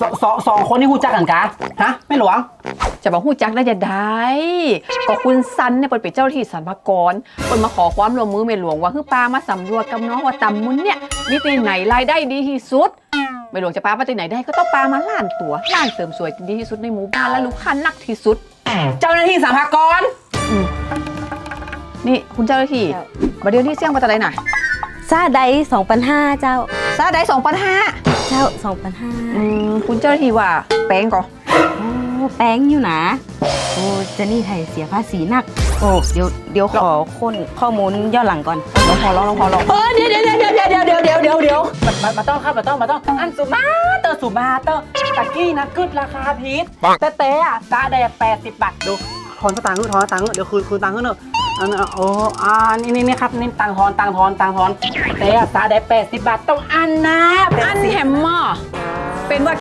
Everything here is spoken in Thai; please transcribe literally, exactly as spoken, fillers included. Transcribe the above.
สสสองคนนี่หูจักกันกะฮะไม่หลวงจะบอกหูจักได้จะได้ก็คุณซันเนี่ยเปิดเป็นเจ้าหน้าที่สรรพากรเปิดมาขอความร่วมมือเมหลวงว่าคือปลามาสำรวจกับน้องว่าตำมุนเนี่ยมีที่ไหนรายได้ดีที่สุดเมหลวงจะปลามาที่ไหนได้ก็ต้องปลามาล้านตัวล้านเสริมสวยดีที่สุดในหมู่บ้านและลูกค้านักที่สุดเจ้าหน้าที่สรรพากรนี่คุณเจ้าหน้าที่บัดเดี๋ยวนี้เสี่ยงมาจากไหนน่ะซาไดสองพันห้าเจ้าซาได้สองพันห้าเจ้าสองพันห้าอืมคุณเจ้าหน้าที่ว่าแป้งก่อโอ้แป้งอยู่นะโอ้เจนี่ไทยเสียภาษีนักโอ้เดี๋ยวเดี๋ยวขอค้นข้อมูลย้อนหลังก่อนลองพอลองลองพอลองเออเดี๋ยวเดี๋ยวเดี๋ยวเดี๋ยวเดี๋ยวเดี๋ยวเดี๋ยวเดี๋ยวมามาต้องครับมาต้องมาต้องอันสุมาเตอร์สุมาเตอร์ตะกี้นะกึดราคาพีทแต่แต่อะซาแดกแปดสิบบาทดูทอนสตางค์ทอนสตางค์เดี๋ยวคืนคืนตังค์เนอะอันโอ้อ่านี่นี่นี่ครับนี่ตังทอนตังทอนตังทอนแต่ซาแดกแปดสิบบาทต้องอันนะอันแฮมเมอร์เป็นว่า